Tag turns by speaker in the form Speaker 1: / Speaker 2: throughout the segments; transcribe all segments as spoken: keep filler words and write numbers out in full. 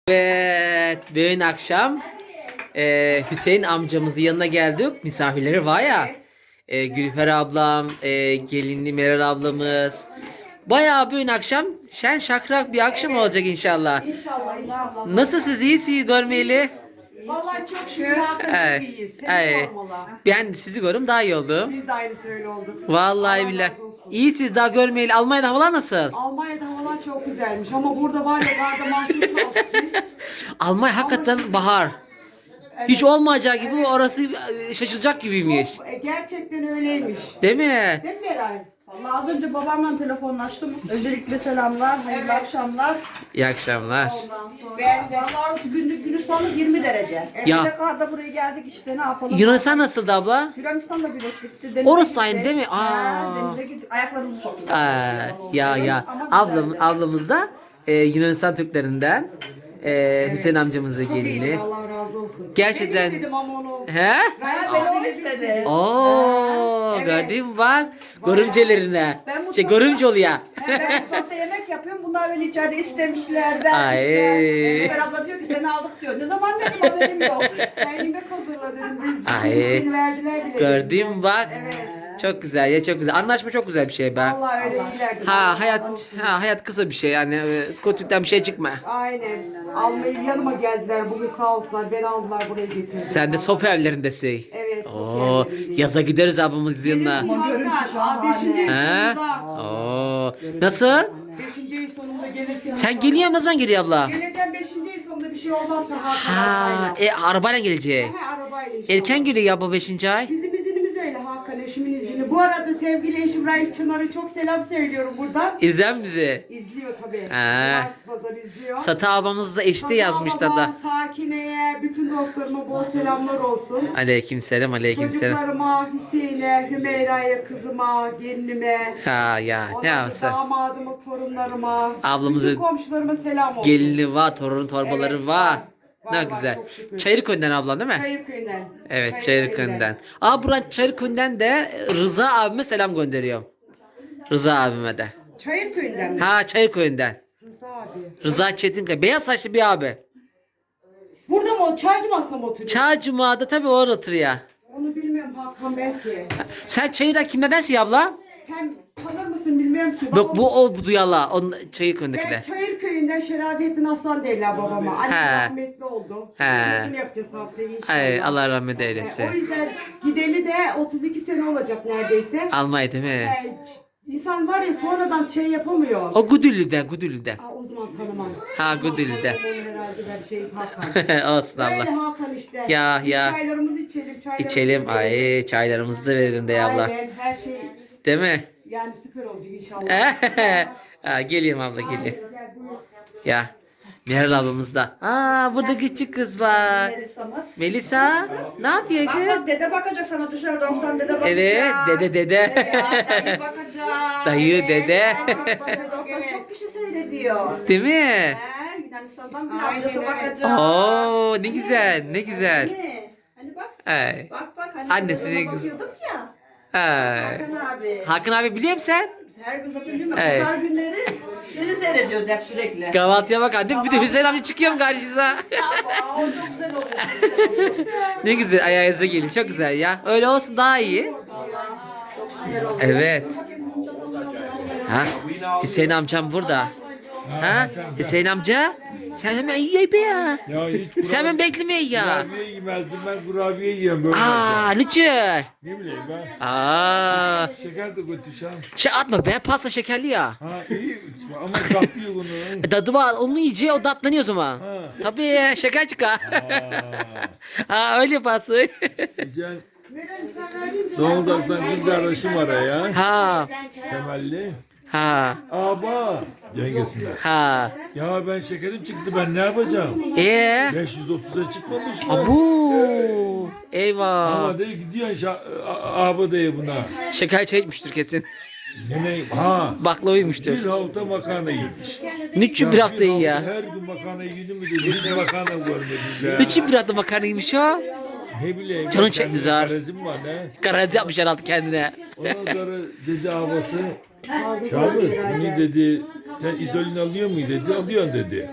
Speaker 1: Evet, bugün akşam e, Hüseyin amcamızın yanına geldik. Misafirleri var ya. E, Gülfer ablam, e, gelinli Meral ablamız. Bayağı bugün akşam şen şakrak bir akşam olacak inşallah.
Speaker 2: İnşallah inşallah.
Speaker 1: Nasılsınız? İyisiniz görmeyeli?
Speaker 2: Vallahi çok şükür Hakan
Speaker 1: Evet,
Speaker 2: çok iyiyiz. Seni
Speaker 1: evet.
Speaker 2: sormalı.
Speaker 1: Ben sizi görüm daha iyi oldum.
Speaker 2: Biz de aynısı öyle olduk.
Speaker 1: Vallahi
Speaker 2: Allah
Speaker 1: billahi.
Speaker 2: razı olsun.
Speaker 1: İyisiniz daha görmeyeli. Almanya'da havalar nasıl?
Speaker 2: Almanya'da havalar çok güzelmiş ama burada var ya garda mahsur kaldık biz.
Speaker 1: Almanya hakikaten bahar. Hiç olmayacağı gibi orası e, şaşılacak gibiymiş.
Speaker 2: Çok, e, gerçekten öyleymiş.
Speaker 1: Değil mi?
Speaker 2: Değil mi Meral?
Speaker 3: Vallahi az önce babamla telefonlaştım. Öncelikle selamlar, hayırlı akşamlar.
Speaker 1: İyi akşamlar.
Speaker 3: Ondan sonra
Speaker 2: Ben de.
Speaker 3: vallahi günlük günü sonu yirmi derece.
Speaker 1: Ya.
Speaker 3: Bir de karda buraya geldik işte ne yapalım.
Speaker 1: Yunanistan nasıldı abla?
Speaker 3: Yunanistan'da güneş bitti. Denize
Speaker 1: Orası
Speaker 3: gittik.
Speaker 1: aynı değil mi?
Speaker 3: Ha,
Speaker 1: Aa.
Speaker 3: denize gittik. Ayaklarımızı soktuk.
Speaker 1: Aa, ya ya.
Speaker 3: Ama
Speaker 1: Ablam,
Speaker 3: güzeldi.
Speaker 1: ablamız da e, Yunanistan Türklerinden. E, Hüseyin amcamızın
Speaker 2: Çok iyiydi
Speaker 1: gelini.
Speaker 2: Allah razı olsun.
Speaker 1: Gerçekten-
Speaker 2: Ben istedim ama onu.
Speaker 1: He?
Speaker 3: Ha, beni o istedi.
Speaker 1: Oo,
Speaker 2: Evet.
Speaker 1: gördün mü bak. Görümcelerine.
Speaker 3: Ben mutfakta-
Speaker 1: Şey görümce oluyor.
Speaker 3: Ha, ben mutfakta yemek yapıyorum. Bunlar beni içeride istemişler,
Speaker 1: Ay.
Speaker 3: vermişler. Ömer abla diyor ki seni aldık diyor. Ne zaman dedim haberim yok.
Speaker 2: Sen yemek hazırla dedim. Biz
Speaker 1: Ay.
Speaker 2: seni verdiler bile.
Speaker 1: Gördün mü bak.
Speaker 2: Evet.
Speaker 1: Çok güzel ya çok güzel. Anlaşma çok güzel bir şey be.
Speaker 2: Vallahi öyle iyilerdi.
Speaker 1: Ha hayat ha hayat kısa bir şey yani e, kötülükten bir şey çıkma.
Speaker 2: Aynen. Almayı yanıma geldiler. Bugün sağ olsunlar. Beni aldılar buraya getirdiler.
Speaker 1: Sen de Sofya evlerindesin.
Speaker 2: Evet.
Speaker 1: Oo, yaza gideriz ablamız yanına.
Speaker 2: Gelirsin Hakan. Aa, Beşinci ayın
Speaker 1: He?
Speaker 2: sonunda.
Speaker 1: Oo. Nasıl?
Speaker 2: Beşinci ayın sonunda gelirsin.
Speaker 1: Sen geliyor musun? Ne zaman geliyor abla?
Speaker 2: Geleceğim beşinci ayın sonunda bir şey olmazsa Hakan.
Speaker 1: Ha,
Speaker 2: arabayla.
Speaker 1: e, arabayla gelecek.
Speaker 2: He, arabayla inşallah.
Speaker 1: Erken geliyor ya bu beşinci ay.
Speaker 2: Bizim izinimiz öyle Hakan, eşimin izini. Bu arada sevgili eşim Raif Çınar'a çok selam söylüyorum buradan.
Speaker 1: İzlen bizi.
Speaker 2: İzliyor tabii.
Speaker 1: Ha.
Speaker 2: Cumartesi pazarı izliyor.
Speaker 1: Satı ablamız da eşte yazmışlar
Speaker 2: Babama,
Speaker 1: da.
Speaker 2: Sakine'ye, bütün dostlarıma bol selamlar olsun.
Speaker 1: Aleykümselam aleykümselam.
Speaker 2: Çocuklarıma, Hüseyin'e, Hümeyra'ya, kızıma, gelinime.
Speaker 1: Ha ya ne
Speaker 2: Ondan
Speaker 1: yapsın?
Speaker 2: sonra damadıma, torunlarıma.
Speaker 1: Ablamızın
Speaker 2: bütün komşularıma selam olsun.
Speaker 1: Gelini var, torun torbaları
Speaker 2: Evet,
Speaker 1: var.
Speaker 2: var.
Speaker 1: Ne
Speaker 2: Var, var,
Speaker 1: güzel.
Speaker 2: çok şükür.
Speaker 1: Çayırköy'den ablan değil mi?
Speaker 2: Çayırköy'den.
Speaker 1: Evet Çayırköy'den. Aa buradan Çayırköy'den de Rıza abime selam gönderiyorum. Rıza abime de.
Speaker 2: Çayırköy'den mi?
Speaker 1: Ha Çayırköy'den.
Speaker 2: Rıza abi.
Speaker 1: Rıza Çetinkaya. Beyaz saçlı bir abi.
Speaker 2: Burada mı o? Çaycı masada mı oturuyor?
Speaker 1: Çağ Cuma'da tabii orada oturuyor.
Speaker 2: Onu bilmiyorum Hakan belki.
Speaker 1: Sen Çayır'da kimlerdensin abla?
Speaker 2: Sen tanır mısın bilmiyorum ki.
Speaker 1: Yok
Speaker 2: Babam-
Speaker 1: bu o bu duyala. Onun
Speaker 2: Ben
Speaker 1: Çayırköy'ündekiler.
Speaker 2: Çayırköy'ünden Şerafettin Aslan derler babama. Annem
Speaker 1: He.
Speaker 2: rahmetli oldu.
Speaker 1: He.
Speaker 2: Yakın yapacağız haftaya inşallah.
Speaker 1: Ay Allah rahmet
Speaker 2: E,
Speaker 1: eylesin.
Speaker 2: o yüzden gideli de otuz iki sene olacak neredeyse.
Speaker 1: Almanya değil mi?
Speaker 2: E, ç- İnsan var ya sonradan şey yapamıyor.
Speaker 1: O Gudüllü'den Gudüllü'den.
Speaker 2: Aa, o zaman tanımam.
Speaker 1: Ha,
Speaker 2: O zaman
Speaker 1: Gudeli'de.
Speaker 2: tanımam onu herhalde ben şey Hakan.
Speaker 1: Olsun
Speaker 2: Öyle
Speaker 1: abla.
Speaker 2: Hakan işte.
Speaker 1: Ya,
Speaker 2: Biz
Speaker 1: ya.
Speaker 2: çaylarımızı içelim. Çaylarımızı
Speaker 1: İçelim.
Speaker 2: verelim.
Speaker 1: Ay çaylarımızı da verelim de abla.
Speaker 2: Aynen her şey
Speaker 1: Değil mi?
Speaker 2: yani süper olacak inşallah.
Speaker 1: ha, geliyorum abla geliyorum.
Speaker 2: Gel, buyur.
Speaker 1: Ya. Meral ablamız da. Aa burada küçük kız var.
Speaker 3: Melisa'mız.
Speaker 1: Melisa ne yapıyor
Speaker 3: Bak
Speaker 1: kız?
Speaker 3: bak dede bakacak sana Düsseldorf'tan dede bakacak.
Speaker 1: Evet dede dede.
Speaker 3: Ya, dayı bakacak.
Speaker 1: Dayı dede.
Speaker 3: Düsseldorf'tan çok kişi seyrediyor.
Speaker 1: Değil mi?
Speaker 3: He, Yunanistan'dan bir
Speaker 2: Aynen,
Speaker 3: amcası
Speaker 2: evet.
Speaker 3: bakacak.
Speaker 1: Oo ne güzel ne güzel.
Speaker 3: Hani, hani bak.
Speaker 1: Ay.
Speaker 3: Bak bak hani
Speaker 1: Annesine
Speaker 3: kızına
Speaker 1: kız-
Speaker 3: bakıyorduk ya.
Speaker 1: Ay.
Speaker 3: Hakan abi.
Speaker 1: Hakan abi biliyor musun sen?
Speaker 3: Biz her gün zaten değil mi?
Speaker 1: Evet.
Speaker 3: Pazar günleri sizi seyrediyoruz hep sürekli.
Speaker 1: Kahvaltıya bak annem bir de Hüseyin amca çıkıyorum karşınıza.
Speaker 3: Aa, o çok güzel oluyor. Çok güzel oluyor.
Speaker 1: Ne güzel ayağınıza gelin çok güzel ya. Öyle olsun daha iyi.
Speaker 3: Çok süper oluyor.
Speaker 1: Evet. Ha Hüseyin amcam burada. Ha Hüseyin amca sen hemen ye be ya.
Speaker 4: Ya hiç
Speaker 1: Sen hemen bekleme ya.
Speaker 4: kurabiye yemezdim, ben kurabiye yiyorum böyle.
Speaker 1: Aa niçin?
Speaker 4: Ne bileyim ben.
Speaker 1: Aa
Speaker 4: Şeker de götüreceğim.
Speaker 1: şey atma be pasta şekerli ya.
Speaker 4: Ha iyi ama tatlı yok onu.
Speaker 1: Tadı var onu yiyeceği o tatlanıyor o zaman.
Speaker 4: Ha.
Speaker 1: Tabii şeker çıkar.
Speaker 4: Aa,
Speaker 1: ha öyle yaparsın.
Speaker 4: güzel.
Speaker 2: Meral sen verdiğin
Speaker 4: Zonguldak'tan kız kardeşim var ya.
Speaker 1: ha
Speaker 4: Temelli.
Speaker 1: ha
Speaker 4: Aba. Yengesinde.
Speaker 1: ha.
Speaker 4: Ya ben şekerim çıktı, ben ne yapacağım?
Speaker 1: Ee?
Speaker 4: beş yüz otuza çıkmamış mı?
Speaker 1: Abu. Eyvah.
Speaker 4: Ama de gidiyorsun abi dayı buna.
Speaker 1: Şeker çay içmiştir kesin.
Speaker 4: Ne ne? Ha.
Speaker 1: Baklava yemiştir.
Speaker 4: Bir hafta makarna yemiş.
Speaker 1: Niçin bir hafta iyi ya?
Speaker 4: Her gün makarna yedim mi dedi. Hiç makarna görmedik ya.
Speaker 1: Niçin bir hafta makarna yemiş o?
Speaker 4: Ne bileyim.
Speaker 1: Canın
Speaker 4: ben
Speaker 1: çekti
Speaker 4: kendi
Speaker 1: zar.
Speaker 4: garezim var ne?
Speaker 1: Garanti yapmış herhalde kendine.
Speaker 4: Ondan sonra dedi havası. Şahmet bunu dedi Sen izolin alıyor mu dedi. Alıyorsun dedi.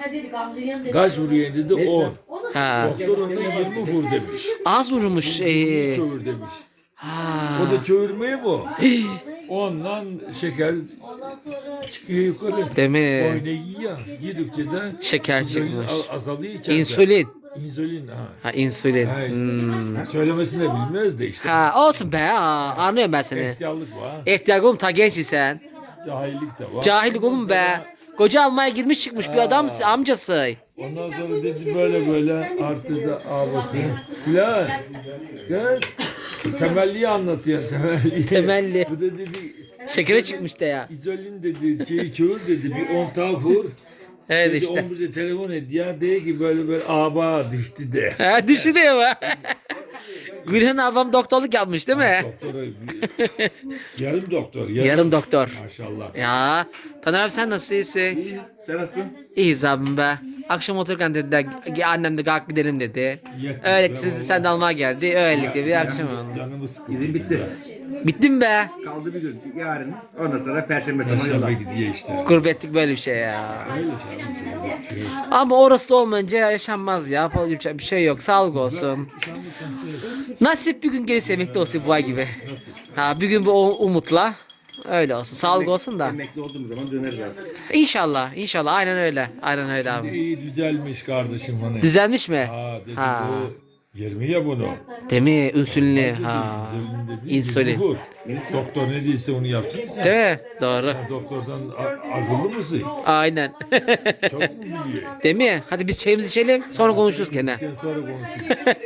Speaker 4: Kaç vuruyorsun dedi. on.
Speaker 1: Ha.
Speaker 4: Doktor ona yirmi vur demiş.
Speaker 1: Az vurmuş. Ee.
Speaker 4: Çövür demiş.
Speaker 1: Ha.
Speaker 4: O da çövürmeyi bu. Ondan şeker çıkıyor yukarı.
Speaker 1: Değil mi?
Speaker 4: Oyna yiyor. Yedikçe de
Speaker 1: Şeker
Speaker 4: insülin
Speaker 1: çıkmış.
Speaker 4: al- azalıyor içeride.
Speaker 1: İnsülin.
Speaker 4: İnsülin ha.
Speaker 1: Ha insülin.
Speaker 4: Ha,
Speaker 1: Hmm.
Speaker 4: Söylemesini de bilmez de işte.
Speaker 1: Ha olsun be. Ha, anlıyorum ben seni.
Speaker 4: İhtiyarlık var.
Speaker 1: İhtiyar oğlum ta genç sen.
Speaker 4: Cahillik de var.
Speaker 1: Cahillik oğlum be. Koca almaya girmiş çıkmış bir adam amcası.
Speaker 4: Ondan sonra dedi böyle böyle artırdı abası. Lan kız temelliyi anlatıyor temelliyi.
Speaker 1: Temelli.
Speaker 4: Bu da dedi
Speaker 1: Şekere çıkmış da ya.
Speaker 4: izolin dedi şeyi çövür dedi bir on tane vur.
Speaker 1: Evet
Speaker 4: Dedi,
Speaker 1: işte.
Speaker 4: on bize telefon et ya de ki böyle böyle aba düştü de.
Speaker 1: Ha düşünüyor mu? Gülhan ablam doktorluk yapmış değil mi?
Speaker 4: Doktora yarım doktor. Yarım,
Speaker 1: Yarım doktor.
Speaker 4: Maşallah.
Speaker 1: Ya Taner abi sen nasıl iyisin?
Speaker 5: İyi, sen nasılsın?
Speaker 1: İyiyiz abim be. Akşam otururken dediler annem de kalk gidelim dedi.
Speaker 4: Yetti.
Speaker 1: Öyle siz de sen de almaya geldi. Öylelikle bir akşam oldu.
Speaker 4: Canımı sıkıldı.
Speaker 5: İzin bitti.
Speaker 1: Bittim be.
Speaker 5: Kaldı bir gün. Yarın. Ondan sonra Perşembe sabahı yola.
Speaker 4: Perşembe gidiyor işte.
Speaker 1: Gurbetlik böyle bir şey ya.
Speaker 4: Öyle şey. şey.
Speaker 1: Ama orası da olmayınca yaşanmaz ya. Yapacak bir şey yok. Sağlık olsun. Nasip bir gün gelirse emekli olsun bu ay gibi. Ha bir gün bu umutla. Öyle olsun. Sağlık olsun da.
Speaker 5: Emekli olduğumuz zaman döneriz artık.
Speaker 1: İnşallah. İnşallah. Aynen öyle. Aynen öyle abi.
Speaker 4: İyi düzelmiş kardeşim hani.
Speaker 1: Düzelmiş mi?
Speaker 4: Ha dedi
Speaker 1: Ha.
Speaker 4: bu yirmi ya bunu.
Speaker 1: Değil mi? İnsülinli. Ha.
Speaker 4: İnsülin dedi.
Speaker 1: İnsülin.
Speaker 4: yirmi vur. Doktor ne değilse onu yapacaksın sen.
Speaker 1: Değil mi? Doğru.
Speaker 4: Sen doktordan a- akıllı mısın?
Speaker 1: Aynen.
Speaker 4: Çok mu biliyor?
Speaker 1: Değil mi? Hadi biz çayımızı içelim. Sonra konuşuruz gene.
Speaker 4: Sen sonra konuşuruz.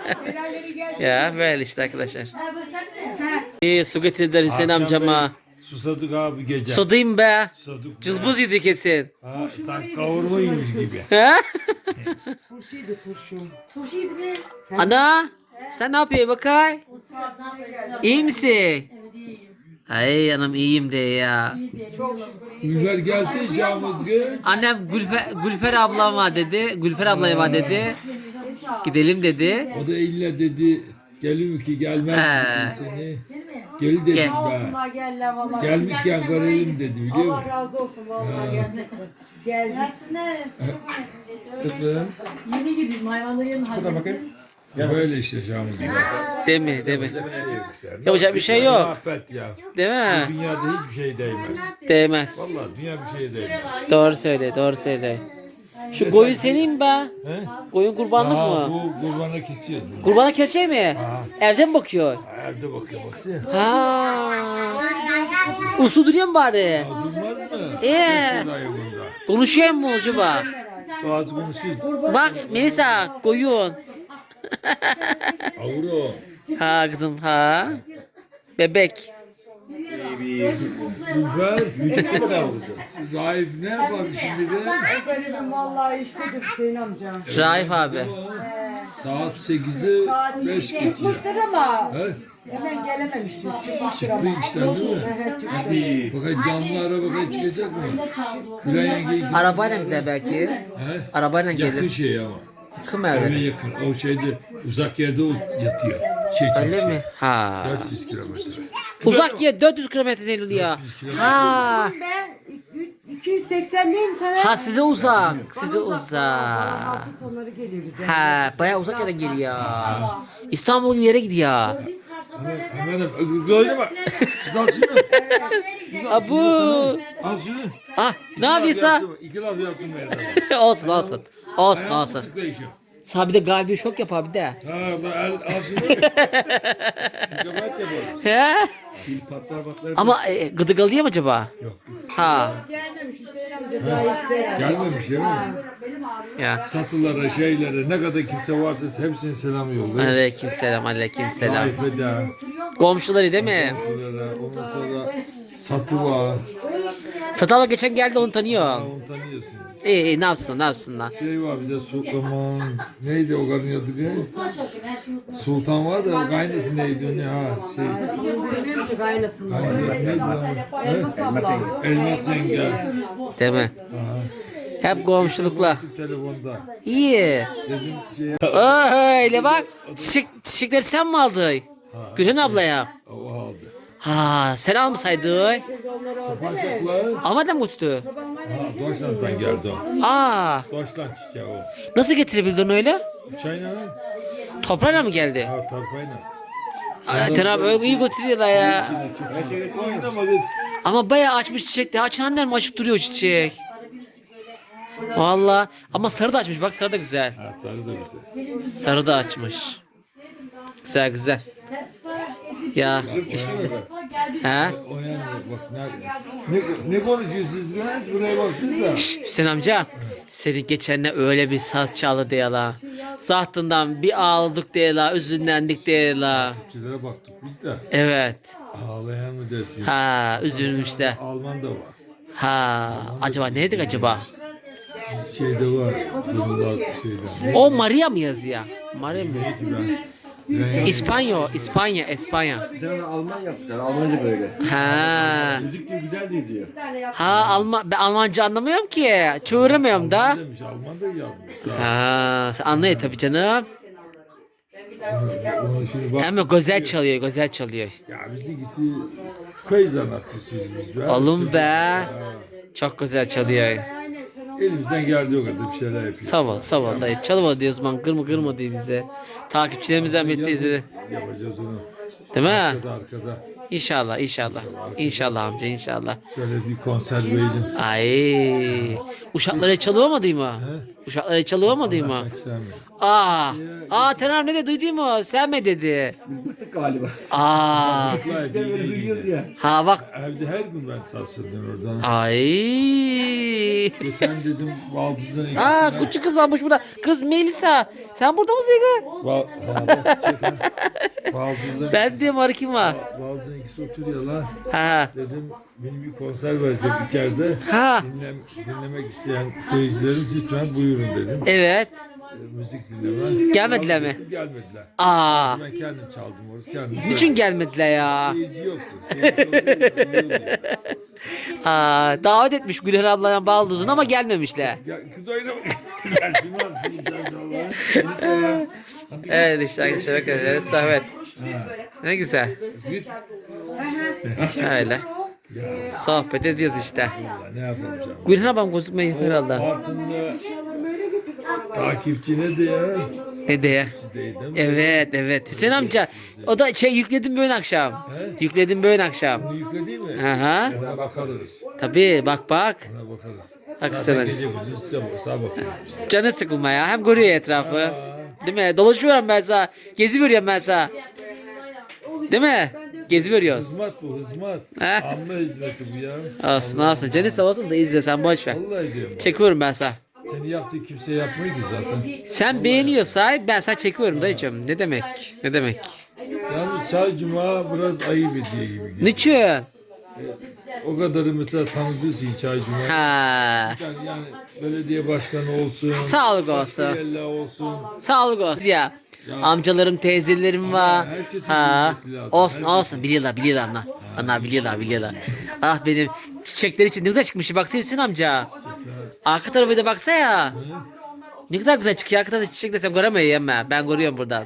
Speaker 1: Ya böyle işte arkadaşlar. İyi su getirdiler Hüseyin
Speaker 4: Akşam
Speaker 1: amcama.
Speaker 4: Bey, susadık abi gece.
Speaker 1: Sudayım be.
Speaker 4: Susadık.
Speaker 1: Cılbız yedi kesin.
Speaker 4: Ha, sen kavurma yemiş gibi.
Speaker 1: Ha?
Speaker 2: Turşuydu turşu.
Speaker 1: Ana sen ne yapıyorsun bakay? İyi misin? Ay anam iyiyim de ya.
Speaker 4: Gülfer gelse Şahmız kız.
Speaker 1: Annem Gülfer, Gülfer ablama dedi. Gülfer ablaya var dedi. Gidelim dedi.
Speaker 4: O da illa dedi gelir ki gelmez
Speaker 1: He.
Speaker 4: dedi seni. Gel dedim
Speaker 1: Gel.
Speaker 4: ben.
Speaker 2: Olsunlar gel vallahi.
Speaker 4: Gelmişken görelim dedi biliyor
Speaker 2: Allah
Speaker 4: musun?
Speaker 2: razı olsun vallahi gerçekten. Geldik.
Speaker 5: Kızım.
Speaker 6: Yeni gideyim hayvanları yanına
Speaker 5: Şurada bakayım.
Speaker 4: Böyle işte Şahmız gibi.
Speaker 1: Değil mi? Değil mi?
Speaker 4: Yapacak
Speaker 1: Yapacak bir şey yok.
Speaker 4: Affet ya.
Speaker 1: Değil mi?
Speaker 4: Dünyada hiçbir şey değmez.
Speaker 1: Değmez.
Speaker 4: Vallahi dünya bir şeye değmez.
Speaker 1: Doğru söyle, doğru söyle. Şu koyun senin be.
Speaker 4: He?
Speaker 1: Koyun kurbanlık
Speaker 4: Aa,
Speaker 1: mı?
Speaker 4: bu kurbana kesiyoruz.
Speaker 1: Kurbana keçe mi? Evden mi bakıyor?
Speaker 4: Evde bakıyor baksana.
Speaker 1: Ha. Usu duruyor mu bari?
Speaker 4: Ya durmaz mı?
Speaker 1: Ee?
Speaker 4: Sesi dayı bunda.
Speaker 1: Konuşuyor mu acaba?
Speaker 4: Bazı konuşuyor.
Speaker 1: Bak Melisa koyun.
Speaker 4: Avro.
Speaker 1: Ha kızım ha. Bebek.
Speaker 4: Gülfer. Raif ne yapar şimdi de?
Speaker 2: Dedim vallahi iştedir Hüseyin amca.
Speaker 1: Raif abi.
Speaker 4: Saat sekize beş geçiyor.
Speaker 2: Çıkmıştır ama
Speaker 4: He?
Speaker 2: hemen gelememiştir. Çıkmıştır
Speaker 4: Çıktı
Speaker 2: ama.
Speaker 4: işten değil mi?
Speaker 2: Evet, çıktı.
Speaker 4: Bakın canlı araba çıkacak mı? Gülen yengeyi
Speaker 1: Arabayla gider belki.
Speaker 4: He?
Speaker 1: Arabayla
Speaker 4: Yakın
Speaker 1: gelir.
Speaker 4: şey ama.
Speaker 1: Yakın
Speaker 4: Eve
Speaker 1: evde.
Speaker 4: yakın. O şeyde uzak yerde o yatıyor. Şey
Speaker 1: Öyle
Speaker 4: çalışıyor.
Speaker 1: mi? Ha.
Speaker 4: dört yüz kilometre.
Speaker 1: Uzak yer dört yüz kilometre değil ya. Ha.
Speaker 2: Ben iki yüz seksendeyim Taner.
Speaker 1: Ha size uzak. Size
Speaker 2: Bana Bana
Speaker 1: uzak.
Speaker 2: hafta sonları geliyor bize.
Speaker 1: Ha bayağı uzak yere geliyor. İstanbul gibi yere gidiyor.
Speaker 4: Hemen hemen güzel bak. Al şunu.
Speaker 1: Abu.
Speaker 4: Al şunu.
Speaker 1: Ah ne yapıyorsun?
Speaker 4: İki laf yaptım ben.
Speaker 1: Olsun olsun. Olsun
Speaker 4: Ayağımı
Speaker 1: olsun.
Speaker 4: tıklayışım.
Speaker 1: Sana bir de galbi şok yapar bir de.
Speaker 4: Ha ben el, al şunu. Kapat yapalım.
Speaker 1: He?
Speaker 5: Pil patlar patlar.
Speaker 1: Ama e, gıdıgalıyor mu acaba?
Speaker 4: Yok.
Speaker 1: Ha.
Speaker 2: Gelmemiş Hüseyin amca daha işte.
Speaker 4: Gelmemiş değil mi?
Speaker 1: Ya.
Speaker 4: Satılara, şeylere ne kadar kimse varsa hepsine selam yollayın.
Speaker 1: Aleyküm selam, aleyküm selam.
Speaker 4: Raife de,
Speaker 1: Komşuları değil mi?
Speaker 4: komşulara, ondan sonra satı var.
Speaker 1: Satala geçen geldi onu tanıyor.
Speaker 4: Onu tanıyorsun.
Speaker 1: İyi iyi ne yapsın ne yapsınlar.
Speaker 4: Şey var bir de Sultan, neydi o karın adı ki? Sultan var da o kaynası neydi o ne ha şey.
Speaker 2: Bilmiyorum ki gayrısını.
Speaker 4: Kaynası neydi lan?
Speaker 2: Elmas abla.
Speaker 4: Elmas yenge.
Speaker 1: Değil mi? Hep komşulukla.
Speaker 4: Telefonda.
Speaker 1: İyi.
Speaker 4: Dedim şey
Speaker 1: Öyle bak. Çiçek, çiçekleri sen mi aldın? Gülhan ablaya.
Speaker 4: o aldı.
Speaker 1: Ha sen almasaydın.
Speaker 2: Teyze onları o değil mi?
Speaker 4: Bacaklar.
Speaker 1: Almadan mı tuttu?
Speaker 2: Babam
Speaker 4: Ha,
Speaker 2: hadi
Speaker 4: Deutschland'dan geldi o.
Speaker 1: Aa,
Speaker 4: Deutschland çiçeği o.
Speaker 1: nasıl getirebildin öyle?
Speaker 4: Çayla.
Speaker 1: Toprağıyla mı geldi?
Speaker 4: Ha, torpayla.
Speaker 1: Ay, Ten abi öyle iyi götürüyorlar ya.
Speaker 5: Her şeyde
Speaker 4: Oynama kız.
Speaker 1: Ama bayağı açmış çiçek de. Açın annem açıp duruyor çiçek. Valla. Ama sarı da açmış. Bak sarı da güzel.
Speaker 4: Ha, sarı da güzel.
Speaker 1: Sarı da açmış. Güzel güzel. Ya işte. Ha?
Speaker 4: O yani bak ne, ne, ne konuşuyorsunuz lan? Buraya baksanıza.
Speaker 1: Hüseyin amca. Senin geçenle öyle bir saz çaldı diye la. Zahtından bir ağladık diye la. Üzünlendik diye la.
Speaker 4: Sizlere baktık biz de.
Speaker 1: Evet.
Speaker 4: Ağlayan mı dersin?
Speaker 1: Ha üzülmüş de.
Speaker 4: Alman da var.
Speaker 1: Ha acaba neydik acaba?
Speaker 4: Şeyde var. Zırhlar şeyden.
Speaker 1: O Maria mı yazıyor? Maria mı?
Speaker 4: Ben,
Speaker 1: İspanya, İspanya, İspanya.
Speaker 5: Bir tane Alman yaptılar. Almanca böyle.
Speaker 1: Ha.
Speaker 5: Müzik de güzel de izliyor.
Speaker 1: Ha Alman ben Almanca anlamıyorum ki. Çığıramıyorum da.
Speaker 4: Alman demiş, Alman da yazmış. Ha.
Speaker 1: Ha, sen anlıyor tabii canım.
Speaker 4: Onu şimdi bak.
Speaker 1: Hem de güzel çalıyor, güzel çalıyor.
Speaker 4: Ya bizimkisi köy sanatçısıyız biz be.
Speaker 1: Oğlum be. Çok güzel çalıyor.
Speaker 2: aynen sen onu
Speaker 4: Elimizden geldiği o kadar bir şeyler yapıyoruz.
Speaker 1: Sağ ol, sağ ol dayı. Çalma diyoruz man, kırma kırma diyor bize. Takipçilerimizden bekliyoruz. Değil
Speaker 4: Yapacağız onu.
Speaker 1: mi?
Speaker 4: Arkada arkada.
Speaker 1: İnşallah, inşallah. İnşallah amca, inşallah.
Speaker 4: Şöyle bir konser verelim.
Speaker 1: Ay, uşaklara çalıvamadın mı? Uşaklara çalıvamadın mı?
Speaker 4: Kaç sen mi?
Speaker 1: Aa, aa Tener ne de duydun mu? Sen mi dedi?
Speaker 5: Biz bıktık galiba.
Speaker 1: Aa,
Speaker 4: Vallahi
Speaker 5: De böyle
Speaker 4: bildiğin
Speaker 5: duyuyoruz
Speaker 4: gibi.
Speaker 5: ya.
Speaker 1: ha bak.
Speaker 4: Evde her gün ben sarsıldım oradan.
Speaker 1: Ay.
Speaker 4: Geçen dedim Valdız'dan ikisine.
Speaker 1: Aa küçük kız almış burada. Kız Melisa. Sen burada mısın kız?
Speaker 4: Val ha, bak, çek ha. Valdız'dan
Speaker 1: Ben
Speaker 4: ikisi-
Speaker 1: diyorum arı kim var?
Speaker 4: Valdız'dan ikisi oturuyor lan.
Speaker 1: Ha.
Speaker 4: Dedim benim bir konser vereceğim içeride.
Speaker 1: Ha.
Speaker 4: Dinlem, dinlemek isteyen seyircilerimiz lütfen buyurun dedim.
Speaker 1: Evet.
Speaker 4: E, müzik dinleme.
Speaker 1: Gelmediler mi?
Speaker 4: Dedim, gelmediler.
Speaker 1: Aa.
Speaker 4: Ben kendim çaldım orası kendim.
Speaker 1: Niçin gelmediler ya?
Speaker 4: Seyirci yoktu. Seyirci olsaydı iyi olurdu.
Speaker 1: Aa, davet etmiş Güler ablayan baldızın ama gelmemişler.
Speaker 4: Ya kız oynamak. Gel şunu al. Şunu al. Şunu al.
Speaker 1: Evet işte arkadaşlar arkadaşlar sohbet. Ne güzel.
Speaker 4: Git.
Speaker 1: Öyle. Sohbet ediyoruz işte.
Speaker 4: Ya ne yapalım canım.
Speaker 1: Güler ablam gözükmeyi herhalde.
Speaker 4: Bartın'da
Speaker 2: böyle getirdim arabayı.
Speaker 4: takipçi ne diye?
Speaker 1: Ne diye?
Speaker 4: Dedim.
Speaker 1: Evet evet. Hüseyin amca o da şey yükledim böyle akşam. Yükledim böyle akşam.
Speaker 4: Bunu yükledi mi?
Speaker 1: Aha.
Speaker 4: Ona bakarız.
Speaker 1: Tabii bak bak.
Speaker 4: Ona bakarız.
Speaker 1: Bak
Speaker 4: Zaten
Speaker 1: sen.
Speaker 4: gece gündüz size sağa bakıyoruz.
Speaker 1: Canı sıkılma ya. Hem görüyor etrafı. Değil mi? Dolaşıyorum ben sana. Gezi veriyorum ben sana. Değil mi? Gezi veriyoruz.
Speaker 4: Hizmet bu hizmet.
Speaker 1: He?
Speaker 4: Amma hizmeti bu ya.
Speaker 1: Olsun olsun. Canı sağ olsun da izle sen boş ver.
Speaker 4: Vallahi diyorum.
Speaker 1: Çekiyorum ben sana.
Speaker 4: Seni yaptığı kimse yapmıyor ki zaten.
Speaker 1: Sen beğeniyorsan ben sana çekiyorum dayıcım. Ne demek? Ne demek?
Speaker 4: Yalnız çay cuma biraz ayıp ediyor gibi. geliyor.
Speaker 1: Niçin?
Speaker 4: O kadarı mesela tanıdığı çay cuma.
Speaker 1: Ha.
Speaker 4: Yani, yani belediye başkanı olsun.
Speaker 1: Sağlık olsun.
Speaker 4: Başka olsun.
Speaker 1: Sağlık olsun ya. Amcalarım, teyzelerim var.
Speaker 4: herkesin
Speaker 1: Ha.
Speaker 4: bilmesi lazım.
Speaker 1: Olsun
Speaker 4: Herkesin.
Speaker 1: olsun biliyorlar biliyorlar ana. Ana biliyorlar biliyorlar. Ah benim çiçekler için ne güzel çıkmış. Baksana Hüseyin amca. Arka tarafı da baksa ya. Ne kadar güzel çıkıyor. Arka tarafı çiçek desem göremiyorum ben. Ben görüyorum buradan.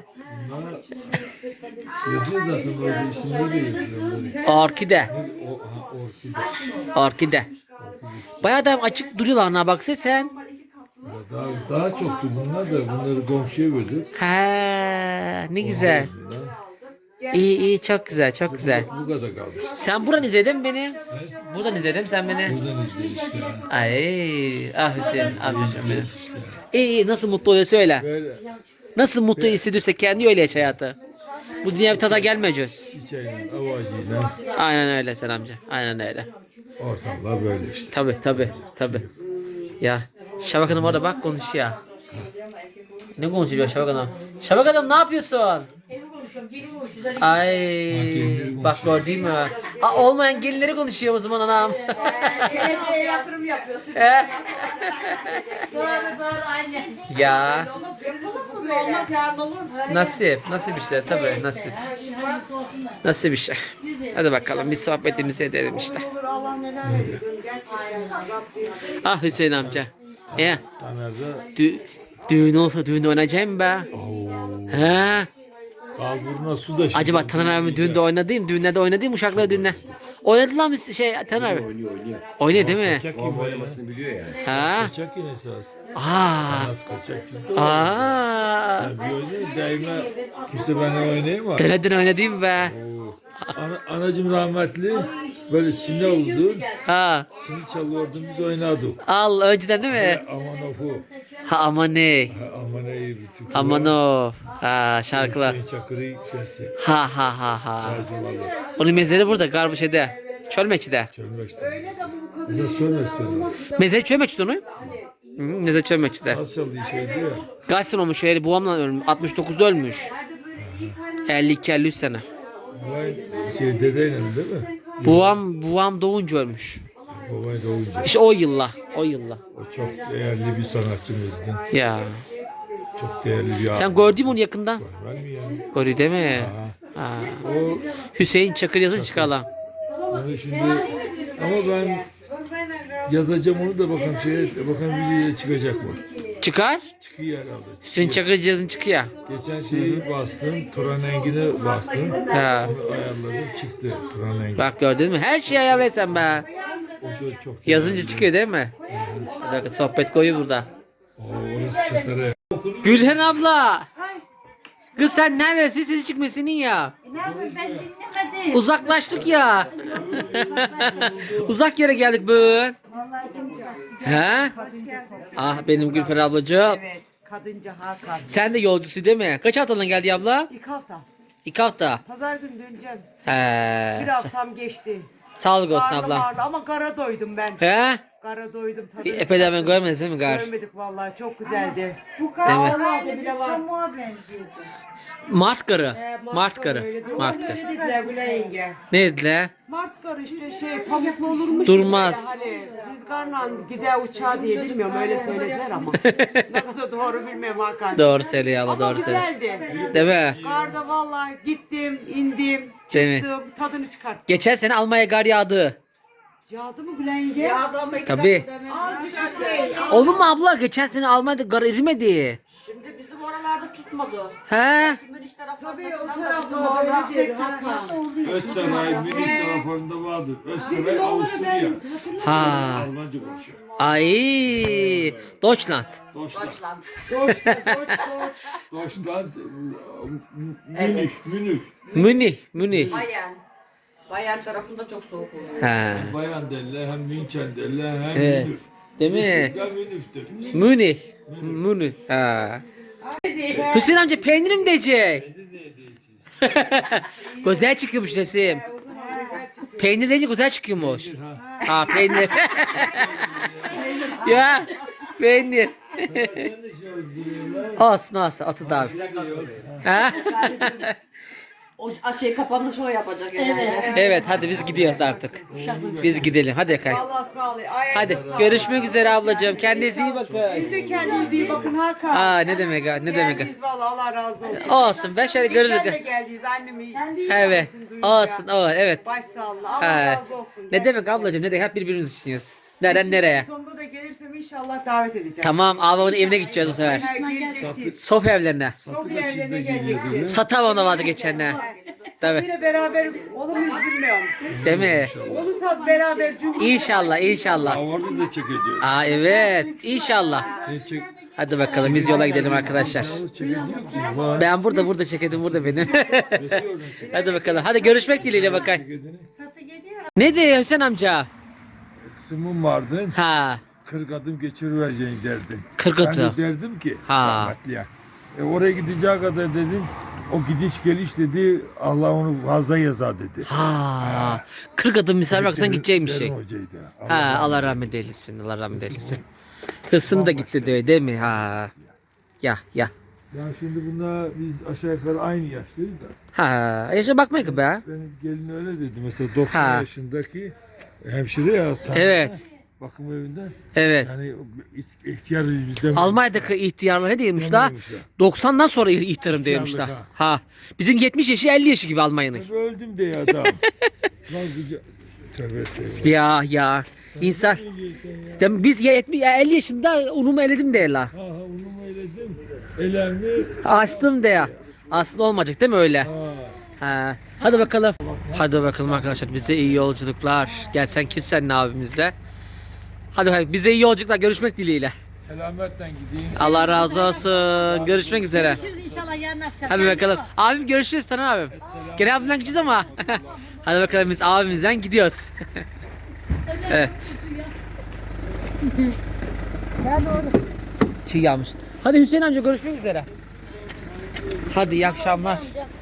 Speaker 4: Yazıyor zaten orada isimleri de yazıyor.
Speaker 1: Orkide.
Speaker 4: O, ha, orkide.
Speaker 1: Orkide. Bayağı da açık duruyorlar ana baksana sen.
Speaker 4: Daha, daha çoktu bunlar da bunları komşuya verdik.
Speaker 1: Ha, ne güzel. İyi iyi çok güzel çok güzel.
Speaker 4: Bu kadar kalmış.
Speaker 1: Sen buradan izledin mi beni? Buradan izledin mi sen beni?
Speaker 4: Buradan izleyin işte.
Speaker 1: Ay ah Hüseyin amcacığım benim. İyi iyi nasıl mutlu oluyor söyle.
Speaker 4: Böyle
Speaker 1: Nasıl mutlu hissediyorsa kendi öyle yaş hayatı. Bu dünya bir tada gelmeyeceğiz.
Speaker 4: çiçeğiyle, avacıyla
Speaker 1: Aynen öyle sen amca. Aynen öyle.
Speaker 4: ortamlar böyle işte.
Speaker 1: Tabi tabi tabi. Ya Şabak Hanım orada bak konuşuyor. Ne konuşuyor Şabak Hanım? Şabak Hanım ne yapıyorsun?
Speaker 6: Evi konuşuyorum, gelin konuşuyoruz.
Speaker 1: Ay
Speaker 4: gelinleri
Speaker 1: bak gördün mü? Aa, olmayan gelinleri konuşuyor o zaman anam.
Speaker 3: Geleceğe yatırım yapıyorsun.
Speaker 1: He?
Speaker 6: Doğru doğru aynen.
Speaker 1: Ya
Speaker 3: Bugün olmaz yarın olur.
Speaker 1: nasip nasip işte tabi nasip.
Speaker 6: Her şey hayırlısı olsun da.
Speaker 1: Nasıl bir şey. Hadi bakalım bir sohbetimizi edelim işte.
Speaker 2: Allah neler ediyor gerçekten Rabbim.
Speaker 1: Ah Hüseyin amca. Ya
Speaker 4: Taner'de
Speaker 1: dü düğün olsa düğün oynayacağım be. He?
Speaker 4: Kalburuna su da şimdi.
Speaker 1: Acaba Taner abi düğünde oynadığım, düğünlerde oynadığım uşaklar düğünde. Oynadı lan biz şey Taner abi.
Speaker 5: Oynuyor oynuyor.
Speaker 1: Oynuyor değil mi?
Speaker 4: Kaçak
Speaker 5: Babam
Speaker 4: gibi
Speaker 5: oynamasını biliyor yani.
Speaker 1: Ha?
Speaker 4: Kaçak yine esas.
Speaker 1: Aa.
Speaker 4: Sanat kaçakçılık da var.
Speaker 1: Aa.
Speaker 4: Sen biliyorsun daima kimse benimle oynayamaz.
Speaker 1: Denedin oynadığım be.
Speaker 4: Ana, anacım rahmetli böyle sine oldu.
Speaker 1: Ha.
Speaker 4: Sini çalıyordum biz oynardık.
Speaker 1: Al önceden değil mi?
Speaker 4: Aman ofu.
Speaker 1: Ha aman ne?
Speaker 4: Ha, aman iyi bir türkü
Speaker 1: Aman
Speaker 4: var.
Speaker 1: o. Ha şarkılar.
Speaker 4: Hüseyin Çakır'ı şeysi.
Speaker 1: Ha ha ha ha.
Speaker 4: Tercümalı.
Speaker 1: Onun mezarı burada Garbuşe'de. Çölmekçi'de.
Speaker 4: Çölmek'te. Bize Çölmek'te.
Speaker 1: Mezarı Çölmekçi'de onu. Hı, mezarı Çölmekçi'de.
Speaker 4: Saz çaldığı şeydi ya.
Speaker 1: Kaç sene olmuş öyle babamla ölmüş. altmış dokuzda ölmüş. elli iki elli üç sene.
Speaker 4: Vay şey dedeyle değil mi?
Speaker 1: Babam babam doğunca ölmüş.
Speaker 4: Babayı da olunca.
Speaker 1: İşte o yılla. O yılla.
Speaker 4: O çok değerli bir sanatçımızdı.
Speaker 1: Ya.
Speaker 4: Çok değerli bir
Speaker 1: Sen
Speaker 4: abi.
Speaker 1: gördün mü onu yakında?
Speaker 4: Görmez mi ya?
Speaker 1: Gördü değil mi?
Speaker 4: Aha.
Speaker 1: Ha.
Speaker 4: O
Speaker 1: Hüseyin Çakır yazın çıkalım.
Speaker 4: onu şimdi ama ben yazacağım onu da bakalım şeye bakalım videoya çıkacak mı?
Speaker 1: Çıkar.
Speaker 4: Çıkıyor herhalde.
Speaker 1: Hüseyin
Speaker 4: Çıkıyor.
Speaker 1: Çakır yazın çıkıyor.
Speaker 4: Geçen şeyi bastım. Turan Engin'e bastım.
Speaker 1: Ha.
Speaker 4: Onu ayarladım çıktı Turan Engin.
Speaker 1: Bak gördün mü? Her şeyi ayarlaysan be.
Speaker 4: O da çok
Speaker 1: Yazınca
Speaker 4: değerli.
Speaker 1: çıkıyor değil mi? Bir dakika sohbet koyu burada.
Speaker 4: Oo, orası Çakır'ı.
Speaker 1: Gülhen abla. Kız sen neredesin? Sesi çıkmıyor senin ya.
Speaker 3: Ne yapayım ben dinlemedim.
Speaker 1: Uzaklaştık ya. Uzak yere geldik bugün.
Speaker 3: Vallahi çok
Speaker 1: He? Ah benim Gülfer ablacığım.
Speaker 2: Evet. Kadınca Hakan.
Speaker 1: Sen de yolcusu değil mi? Kaç haftadan geldi abla?
Speaker 2: İlk hafta.
Speaker 1: İki hafta.
Speaker 2: Pazar günü döneceğim.
Speaker 1: He.
Speaker 2: Bir haftam geçti.
Speaker 1: Sağlık olsun
Speaker 2: Karnım
Speaker 1: abla.
Speaker 2: ağrıdı ama kara doydum ben.
Speaker 1: He?
Speaker 2: Kara doydum tadını
Speaker 1: Epeyden ben
Speaker 2: çıkarttım.
Speaker 1: görmediniz değil mi gar?
Speaker 2: Görmedik vallahi çok güzeldi.
Speaker 3: Bu
Speaker 1: Değil mi?
Speaker 3: kahvaltı bile var. Pamuğa benziyordu.
Speaker 1: Mart karı.
Speaker 2: Ee,
Speaker 1: Mart karı.
Speaker 2: öyle diyor.
Speaker 1: Mart
Speaker 2: Öyle
Speaker 1: karı.
Speaker 2: dediler Gülay yenge.
Speaker 1: Ne dediler?
Speaker 2: Mart karı işte şey pamuklu olurmuş.
Speaker 1: Durmaz.
Speaker 2: Böyle Hani rüzgarla gider uçağı diye bilmiyorum öyle söylediler ama. Ne kadar doğru bilmiyorum Hakan.
Speaker 1: Doğru söylüyor abla
Speaker 2: Ama
Speaker 1: doğru söylüyor.
Speaker 2: güzeldi.
Speaker 1: Değil mi?
Speaker 2: Karda vallahi gittim, indim,
Speaker 1: Değil mi?
Speaker 2: çıktım, tadını çıkarttım.
Speaker 1: Geçen sene Almanya gar yağdı.
Speaker 2: Yağdı mı Gülay yenge?
Speaker 1: Tabii.
Speaker 2: Azıcık bir şey.
Speaker 1: Olur mu abla? Geçen sene Almanya'da gar erimedi.
Speaker 3: Şimdi bizim oralarda tutmadı.
Speaker 1: He?
Speaker 3: Kimin iş taraflarında
Speaker 2: Tabii o
Speaker 3: falan da
Speaker 2: tarafta
Speaker 3: bizim orada
Speaker 2: öyle diyor Hakan.
Speaker 4: Özsaray Münih taraflarında vardır. Özsaray Avusturya.
Speaker 1: Ha.
Speaker 4: Almanca konuşuyor.
Speaker 1: Ay. Deutschland.
Speaker 4: Deutschland.
Speaker 2: Doç, doç, doç.
Speaker 4: Deutschland. Münih. Münih.
Speaker 1: Münih. Münih.
Speaker 3: Bayan. Bayan tarafında çok soğuk oluyor.
Speaker 1: Ha.
Speaker 4: Bayan derler hem München derler hem
Speaker 1: Evet.
Speaker 4: Münih.
Speaker 1: Değil mi?
Speaker 4: İstiklal Münih'tir.
Speaker 1: Münih. Münih. Ha. Hüseyin amca peynirim diyecek. Güzel çıkıyormuş resim. Peynir deyince güzel çıkıyormuş. Ha peynir. Ya peynir. Olsun olsun atı da abi. Ha?
Speaker 3: O şey kapanışı o yapacak herhalde.
Speaker 1: Evet hadi biz gidiyoruz artık. Biz gidelim hadi Kay.
Speaker 2: Allah sağ ol. Ay,
Speaker 1: Hadi
Speaker 2: sağ ol.
Speaker 1: görüşmek üzere ablacığım. Kendinize iyi
Speaker 2: Siz
Speaker 1: bakın.
Speaker 2: de kendinize iyi bakın Hakan.
Speaker 1: Aa ne demek ha, ne demek ha.
Speaker 2: Geldiniz valla Allah razı olsun.
Speaker 1: Olsun ben şöyle
Speaker 2: Geçen de
Speaker 1: görürüz.
Speaker 2: geldiniz annemi.
Speaker 1: Evet.
Speaker 2: hikayesini duyunca.
Speaker 1: Olsun o evet.
Speaker 2: Baş sağlığı. Allah
Speaker 1: Ha.
Speaker 2: razı olsun.
Speaker 1: Ne demek ablacığım ne demek hep birbirimizi düşünüyoruz. Nereden nereye?
Speaker 2: Sonunda da gelirsem inşallah davet edeceğim.
Speaker 1: Tamam ablamın evine gideceğiz bu sefer.
Speaker 2: Ha, geleceksiniz.
Speaker 1: Sof evlerine.
Speaker 2: Sofya evlerine geleceksiniz.
Speaker 1: Satavon'da vardı geçenler. Tabii.
Speaker 2: Yine beraber olur muyuz bilmiyorum.
Speaker 1: Değil mi?
Speaker 2: Olursa beraber cümle.
Speaker 1: İnşallah inşallah.
Speaker 4: Orada da çekeceğiz.
Speaker 1: Aa evet inşallah.
Speaker 4: Sen çek.
Speaker 1: Hadi bakalım biz yola gidelim arkadaşlar.
Speaker 4: Çekediyor musun? Var.
Speaker 1: Ben burada burada çekedim burada benim.
Speaker 4: Resim oradan çek.
Speaker 1: Hadi bakalım. Hadi görüşmek dileğiyle bakayım.
Speaker 4: Çekediğini.
Speaker 1: Ne diyor Hüseyin amca?
Speaker 4: Kısmım vardı.
Speaker 1: Ha.
Speaker 4: kırk adım geçirivereceğin derdin.
Speaker 1: kırk
Speaker 4: Ben
Speaker 1: atı.
Speaker 4: de derdim ki
Speaker 1: Ha.
Speaker 4: rahmetliye. E oraya gideceği kadar dedim. O gidiş geliş dedi Allah onu fazla yazar dedi.
Speaker 1: Ha. kırk adım misal baksan
Speaker 4: Derin-
Speaker 1: gideceğim şey.
Speaker 4: Derin hocaydı.
Speaker 1: Ha Allah rahmet eylesin. Allah rahmet eylesin. Hırsım da gitti diyor değil mi? Ha. Ya ya.
Speaker 4: Ya şimdi bunlar biz aşağı yukarı aynı yaşlıyız da.
Speaker 1: Ha. Yaşa bakma ki be.
Speaker 4: Benim gelin öyle dedi. Mesela doksan
Speaker 1: Ha.
Speaker 4: yaşındaki hemşire ya. Sana,
Speaker 1: Evet.
Speaker 4: Bakım evinde.
Speaker 1: Evet.
Speaker 4: Yani ihtiyarız bizden.
Speaker 1: Almanya'daki ihtiyarlar ne diyormuş da?
Speaker 4: Dememiş ya.
Speaker 1: doksandan sonra ihtiyarım diyormuş da.
Speaker 4: İhtiyarlık
Speaker 1: Ha. Bizim yetmiş yaşı elli yaşı gibi Almanya'nın.
Speaker 4: Tabii öldüm diye adam. Lan güce... Tövbe estağfurullah.
Speaker 1: Ya ya. İnsan.
Speaker 4: Ne diyorsun ya?
Speaker 1: Dem- Biz ya yetmiş ya elli yaşında unumu eledim de la.
Speaker 4: Ha ha onu mu eyledim? Elemi
Speaker 1: Açtım de ya. Aslında olmayacak değil mi öyle?
Speaker 4: Ha.
Speaker 1: Ha. Hadi bakalım. Hadi bakalım arkadaşlar. Bize iyi yolculuklar. Gel sen Kirsen'le abimizle. Hadi bakalım. Bize iyi yolculuklar. Görüşmek dileğiyle.
Speaker 4: Selametle gideyim.
Speaker 1: Allah razı olsun. Görüşmek üzere.
Speaker 6: Görüşürüz inşallah yarın akşam.
Speaker 1: Hadi bakalım. Abim görüşürüz Taner abim. Gene abimden gideceğiz ama. Hadi bakalım biz abimizden gidiyoruz. Evet. Çiğ yağmış. Hadi Hüseyin amca görüşmek üzere. Hadi iyi akşamlar.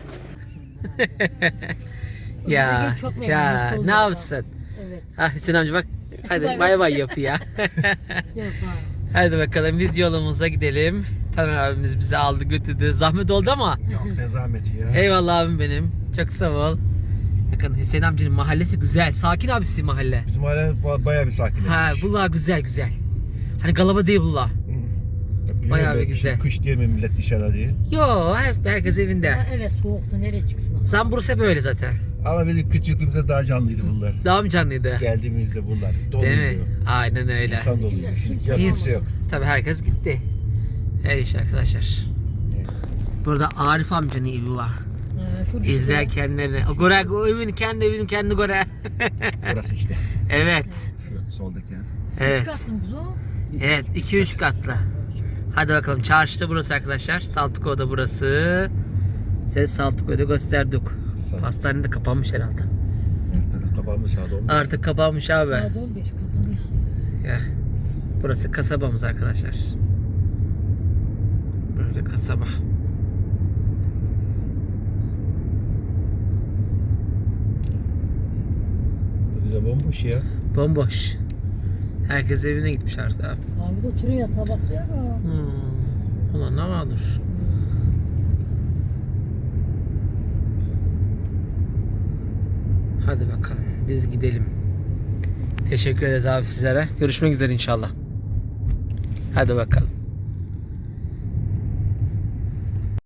Speaker 1: ya
Speaker 6: çok memnun
Speaker 1: ya
Speaker 6: oldum.
Speaker 1: ne yapsın?
Speaker 6: Evet.
Speaker 1: Ha Hüseyin amca bak. Hadi bay bay yap ya.
Speaker 6: Yok abi.
Speaker 1: Hadi bakalım biz yolumuza gidelim. Taner abimiz bizi aldı götürdü. Zahmet oldu ama.
Speaker 5: Yok ne zahmeti ya.
Speaker 1: Eyvallah abim benim. Çok sağ ol. Bakın Hüseyin amcanın mahallesi güzel. Sakin abisi mahalle.
Speaker 5: Bizim mahalle ba- bayağı bir sakinleşmiş.
Speaker 1: Ha bunlar güzel güzel. Hani galaba değil bunlar.
Speaker 5: Biliyorum
Speaker 1: bayağı bir
Speaker 5: ben,
Speaker 1: güzel.
Speaker 5: Kış diye mi millet dışarı diye.
Speaker 1: Yo hep herkes evinde.
Speaker 6: Ha, evet soğuktu nereye çıksın?
Speaker 1: Sen burası böyle zaten.
Speaker 5: Ama bizim küçüklüğümüzde daha canlıydı bunlar.
Speaker 1: Daha mı canlıydı?
Speaker 5: Geldiğimizde bunlar
Speaker 1: Değil mi?
Speaker 5: doluydu.
Speaker 1: Aynen öyle.
Speaker 5: İnsan doluydu. Şimdi yok, kimse yok.
Speaker 1: Tabii herkes gitti. Her iş arkadaşlar. Burada Arif amcanın evi var.
Speaker 6: Ha, şu
Speaker 1: İzler kendilerini. O göre, o evin kendi evini kendi göre.
Speaker 5: Burası işte.
Speaker 1: Evet.
Speaker 5: Şurası soldaki ya.
Speaker 1: Evet.
Speaker 6: Çıkarsın kız o.
Speaker 1: Evet. iki üç katlı. Hadi bakalım. Çarşıda burası arkadaşlar. Saltıko'da burası. Size Saltıko'da gösterdik.
Speaker 5: Sağ ol.
Speaker 1: Pastane de kapanmış herhalde.
Speaker 5: Her taraf kapanmış sağda olmuş.
Speaker 1: Artık kapanmış abi.
Speaker 6: Saat on beş kapanıyor.
Speaker 1: Ya. Burası kasabamız arkadaşlar. Böyle kasaba.
Speaker 5: Bize bomboş ya.
Speaker 1: Bomboş. Herkes evine gitmiş artık abi.
Speaker 6: Abi de oturuyor tabak ya.
Speaker 1: Hmm. Ulan ne vardır? Hadi bakalım. Biz gidelim. Teşekkür ederiz abi sizlere. Görüşmek üzere inşallah. Hadi bakalım.